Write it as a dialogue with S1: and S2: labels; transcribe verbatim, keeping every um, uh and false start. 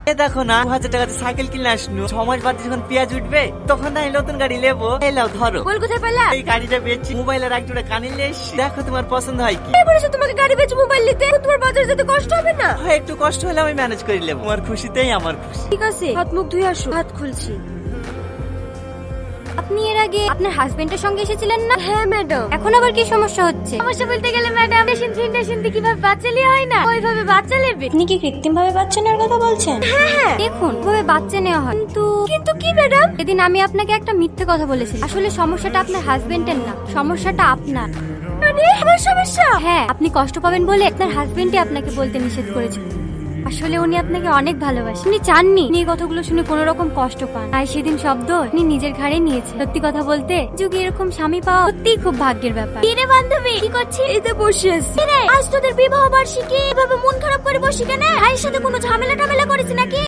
S1: এ দেখো না, দু হাজার টাকাতে সাইকেল কিনে আসনু, ছ মাস বাদে যখন পেঁয়াজ উঠবে তখন না এই নতুন গাড়ি নেবো। এই লাও ধরো।
S2: বল কোথায় পেলা?
S1: এই গাড়িটা বেচছি, মোবাইলের এক জোড়া কানে নিয়ে এসছি। দেখো তোমার পছন্দ হয় কি।
S2: কে বলেছে তোমাকে গাড়ি বেচে মোবাইল নিতে? তোমার বাজার যেতে কষ্ট হবে না?
S1: হয় একটু কষ্ট হলে আমি ম্যানেজ করে নেবো, তোমার খুশিতেই আমার খুশি।
S2: ঠিক আছে, হাত মুখ ধুয়ে আসো, হাত খুলছি। আপনি এর আগে আপনার হাজবেন্ডের সঙ্গে এসেছিলেন না? হ্যাঁ ম্যাডাম। এখন আবার কি সমস্যা হচ্ছে? সমস্যা বলতে গেলে ম্যাডাম, মেশিন থ্রি মেশিন দিয়ে কিভাবে বাচ্চা নেওয়া হয় না, ওইভাবে বাচ্চা নেবে।
S3: আপনি কি কৃত্রিম ভাবে বাচ্চা নেওয়ার কথা বলছেন?
S2: হ্যাঁ হ্যাঁ, দেখুন ওইভাবে বাচ্চা নেওয়া হয়। কিন্তু কিন্তু কি ম্যাডাম? সেদিন আমি আপনাকে একটা মিথ্যে কথা বলেছিলাম। আসলে সমস্যাটা আপনার হাজবেন্ডের না, সমস্যাটা আপনার। মানে আমার সমস্যা? হ্যাঁ, আপনি কষ্ট পাবেন বলে আপনার হাজবেন্ডই আপনাকে বলতে নিষেধ করেছিল। আসলে উনি আপনাকে অনেক ভালোবাসেন, উনি চাননি এই কথাগুলো শুনে কোনো রকম কষ্ট পান, তাই সেদিন শব্দ উনি নিজের ঘাড়ে নিয়েছে। সত্যি কথা বলতে যুগে এরকম স্বামী পাওয়া সত্যিই খুব ভাগ্যের ব্যাপার। কিরে বান্ধবী, কি করছিস? এই তো বসে আছি। কিরে, আজ তোদের বিবাহ বার্ষিকী, এভাবে মন খারাপ করে বসি কেন? ভাইয়ের সাথে কোনো ঝামেলা টামেলা করেছিস নাকি?